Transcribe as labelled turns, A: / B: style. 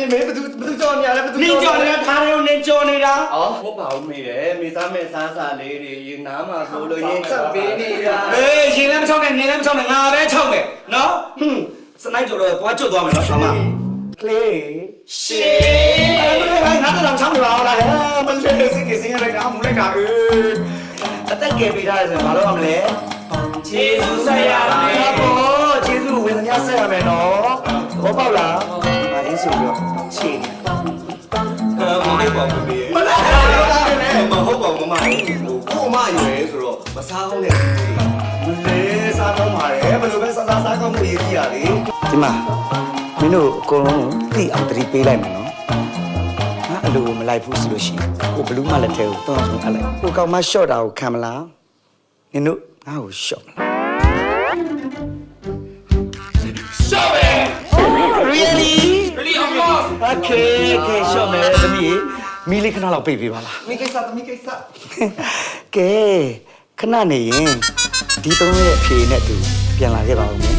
A: မေဘသူကြော်နေရလဲဘသူ
B: နင်းကြော်နေတာခါရုံနင်းကြော်နေတာ
A: ဟုတ်ပါဦးမေတယ်မေစားမဲ့စားစာလေးတွေရင်နားမှာဆိုလို့ရင်ချက်ပေးနေတာ
B: အေးရှင်လည်းမချောက်နဲ့နင်းလည်းမချောက်နဲ့ငါပဲချောက်မယ်နော်ဟွန်းစနိုက်ကြော်တော့သွားကျွတ်သွားမယ်နော်ဆာမ
A: ကလေး
B: ရှေးငါတော့ချောင်းနေပါလားမလေးစိတ်ကစင်းရလိုက်တာမူလိုက်တာ
A: အသက်ကယ်ပေးထားတယ်ဆိုရင်ဘာလို့ရမလဲ
B: ဂျေဇုဆက်ရမယ်
A: ဘောကျေးဇူးဝေဒနာဆက်ရမယ်နော်ဘောပေါက်လားမအင်းဆိုပြီးတော့ချေ
C: မဟုတ်ပါဘူးမဟုတ်ပါဘူးမမကိုမရွယ်ဆိုတော့မစားအောင်နဲ့
A: လေစားတော့မှာလေဘယ်လိုပဲစားကောင်းမှုရည်ကြီးရလေဒီမှာမင်းတို့အကုန်လုံးသိအောင်တတိပေးလိုက်မယ်နော်ငါအလိုမလိုက်ဘူးဆိုလို့ရှိရင်ကိုဘလူးမလက်ထဲကိုတွန်းအောင်အပ်လိုက်ကိုကောင်မရှော့တာကိုခံမလားနင်တို့ငါ့ကိုရှော့မလား Really?
B: Really of course
A: Okay, short မယ်သမီးမီးလေးခဏလောက်ပိတ်ပေးပါလား
C: မိကိစ္စသမီးကိစ္စ
A: ကဲခဏနေရင်ဒီသုံးရဲ့အဖြေနဲ့တူပြန်လာခဲ့ပါဦးမယ်